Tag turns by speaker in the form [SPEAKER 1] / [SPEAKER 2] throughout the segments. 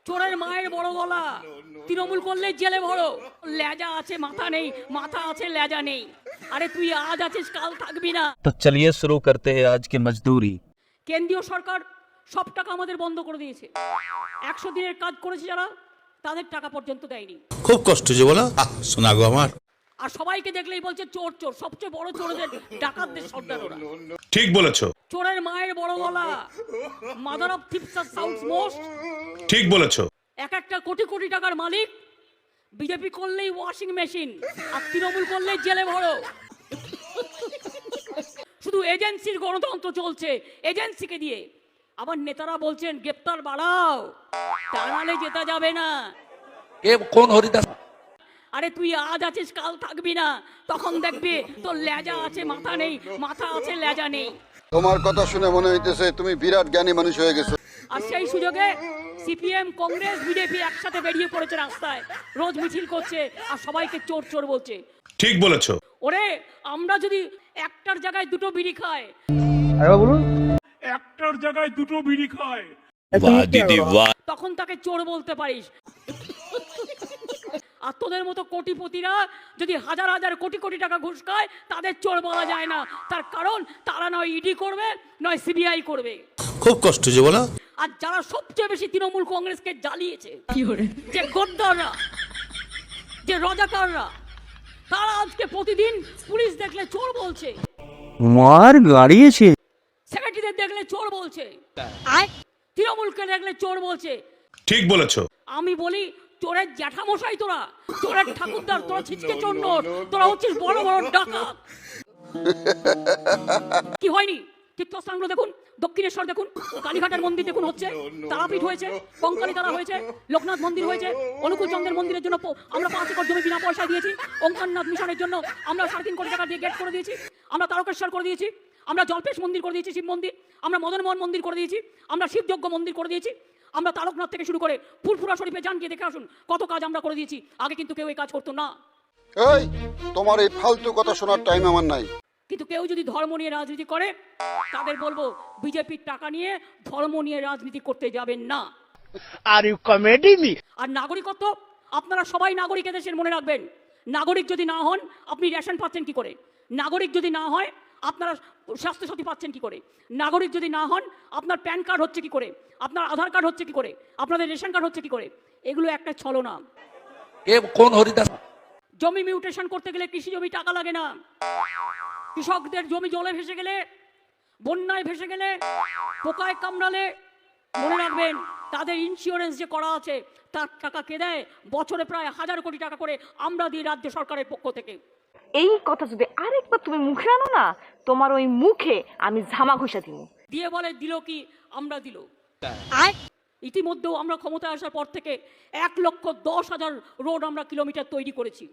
[SPEAKER 1] চোরের মায়ের বড় গলা, তৃণমূল করলে জেলে ভরো। লেজা আছে মাথা নেই, মাথা আছে লেজা নেই। আরে তুই আজ আছিস কাল থাকবি না।
[SPEAKER 2] तो चलिए शुरू करते हैं आज की मजदूरी।
[SPEAKER 1] কেন্দ্রীয় সরকার সব টাকা আমাদের বন্ধ করে দিয়েছে। 100 দিনের কাজ করেছে যারা, তাদের টাকা পর্যন্ত দেয়নি।
[SPEAKER 3] খুব কষ্ট যে বলো শোনা গো আমার।
[SPEAKER 1] আর সবাইকে দেখলেই বলছে চোর চোর। সবচেয়ে বড় চোরদের ডাকাতদের সর্দার ওরা।
[SPEAKER 3] ঠিক বলেছো,
[SPEAKER 1] চোরের মায়ের বড় গলা, mother of thieves sounds most.
[SPEAKER 3] ঠিক বলেছো।
[SPEAKER 1] এক একটা কোটি কোটি টাকার মালিক। বিজেপি করলেই ওয়াশিং মেশিন, আর তৃণমূল করলেই জেলে ভরো। শুধু এজেন্সির গণতন্ত্র চলছে, এজেন্সিকে দিয়ে। আবার নেতারা বলছেন গ্রেপ্তার বাড়াও, তা নাহলে জেতা যাবে না।
[SPEAKER 2] कौन हरिदास?
[SPEAKER 1] আরে তুই আজ আছিস কাল থাকবি না, তখন দেখবি তোর লেজা আছে মাথা নেই, মাথা আছে লেজা নেই।
[SPEAKER 4] তোমার কথা শুনে মনে হইতেছে তুমি বিরাট জ্ঞানী মানুষ হয়ে গেছো।
[SPEAKER 1] আর সেই সুযোগে সিপিএম, কংগ্রেস, বিজেপি একসাথে বেরিয়ে পড়েছে রাস্তায়, রোজ মিছিল করছে আর সবাইকে চোর চোর বলছে।
[SPEAKER 3] ঠিক বলেছো।
[SPEAKER 1] ওরে আমরা যদি একটার জায়গায় দুটো বিড়ি খাই,
[SPEAKER 5] একটার জায়গায় দুটো বিড়ি খায়,
[SPEAKER 1] তখন তাকে চোর বলতে পারিস। আর তোদের মতো কোটিপতিরা যদি হাজার হাজার কোটি কোটি টাকা ঘুষ খায়, তাদের চোর বলা যায় না। তার কারণ তারা নয় ইডি করবে, নয় সিবিআই করবে।
[SPEAKER 3] খুব কষ্ট যে বলো।
[SPEAKER 1] আর যারা সবচেয়ে বেশি তৃণমূল কংগ্রেসকে জ্বালিয়েছে, যে গদ্দাররা, যে রজাকাররা, তারা আজকে প্রতিদিন পুলিশ দেখলে চোর বলছে,
[SPEAKER 2] मार गाड़िए
[SPEAKER 1] সেক্রেটারিদের দেখলে চোর বলছে, তৃণমূলকে দেখলে চোর বলছে।
[SPEAKER 3] ঠিক বলেছো।
[SPEAKER 1] আমি বলি চোরের জ্যাঠামশাই তোরা, চোরের ঠাকুরদার তোরা, ছিচকে চোর নয়, তোরা হচ্ছিস বড় বড় ডাকাত। কি হয়নি? তীর্থস্থানগুলো দেখুন, দক্ষিণেশ্বর দেখুন, কালীঘাটের মন্দির দেখুন হচ্ছে, তারাপীঠ হয়েছে, কঙ্কালী তারা হয়েছে, লোকনাথ মন্দির হয়েছে, অনুকূল চন্দ্রের মন্দিরের জন্য আমরা 5 একর জমি বিনা পয়সা দিয়েছি। ওঙ্কারনাথ মিশনের জন্য আমরা 3.5 কোটি টাকা দিয়ে গেট করে দিয়েছি। আমরা তারকেশ্বর করে দিয়েছি, আমরা জলপেশ মন্দির করে দিয়েছি, শিব মন্দির, আমরা মদনমোহন মন্দির করে দিয়েছি, আমরা শিবযজ্ঞ মন্দির করে দিয়েছি, আমরা তারকনাথ থেকে শুরু করে ফুরফুরা শরীফে যান গিয়ে দেখে আসুন কত কাজ আমরা করে দিয়েছি। আগে কিন্তু কেউ এই কাজ করতো না।
[SPEAKER 4] এই তোমার এই ফালতু কথা শোনার টাইম আমার নাই।
[SPEAKER 1] কিন্তু কেউ যদি ধর্ম নিয়ে রাজনীতি করে, তাদের বলবো বিজেপির টাকা নিয়ে ধর্ম নিয়ে রাজনীতি করতে যাবেন না।
[SPEAKER 6] Are you comedy me?
[SPEAKER 1] আর নাগরিকত্ব, আপনারা সবাই নাগরিক এদেশের, মনে রাখবেন। নাগরিক যদি না হন, আপনি রেশন পাচ্ছেন কি করে? নাগরিক যদি না হয়, আপনারা স্বাস্থ্যসাথী পাচ্ছেন কি করে? নাগরিক যদি না হন, আপনার প্যান কার্ড হচ্ছে কি করে? আপনার আধার কার্ড হচ্ছে কি করে? আপনাদের রেশন কার্ড হচ্ছে কি করে? এগুলো একটা ছলনা।
[SPEAKER 2] कौन हरिदास?
[SPEAKER 1] জমি মিউটেশন করতে গেলে কৃষি জমি টাকা লাগে না। কৃষকদের জমি জলে ভেসে গেলে, বন্যায় ভেসে গেলে, পোকায় কামড়ালে, মনে রাখবেন তাদের ইন্স্যুরেন্স যে করা আছে, তার টাকা কে দেয়? বছরে প্রায় 1000 কোটি টাকা করে আমরা দিই রাজ্য সরকারের পক্ষ থেকে।
[SPEAKER 7] এই কথা যদি আরেকবার তুমি মুখে আনো না, তোমার ওই মুখে আমি ঝামা ঘষা দিব।
[SPEAKER 1] দিয়ে বলে দিল কি আমরা দিল। ইতিমধ্যেও আমরা ক্ষমতায় আসার পর থেকে 1,10,000 রোড আমরা কিলোমিটার তৈরি করেছি।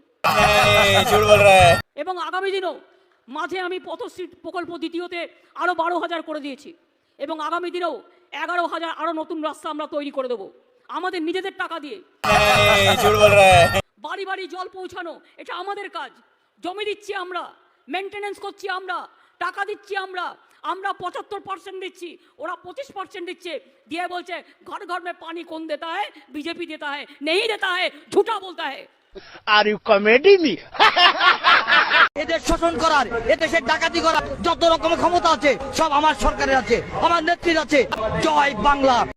[SPEAKER 1] এবং আগামী দিনও মাঝে আমি পথশ্রী প্রকল্প দ্বিতীয়তে আরো 12,000 করে দিয়েছি। এবং আগামী দিনেও 11,000 আরো নতুন রাস্তা আমরা তৈরি করে দেবো আমাদের নিজেদের টাকা দিয়ে। বাড়ি বাড়ি জল পৌঁছানো, এটা আমাদের কাজ। জমি দিচ্ছি আমরা, মেনটেনেন্স করছি আমরা, টাকা দিচ্ছি আমরা। আমরা 75% দিচ্ছি, ওরা 25% দিচ্ছে। দিয়ে বলছে ঘর ঘর में पानी कौन देता है? बीजेपी देता है। नहीं देता है, झूठा बोलता है।
[SPEAKER 6] Are you comedy me?
[SPEAKER 8] এদের শোষণ করার, এদেশের ডাকাতি করার যত রকমের ক্ষমতা আছে সব আমার সরকারের আছে, আমার নেত্রীর আছে। জয় বাংলা।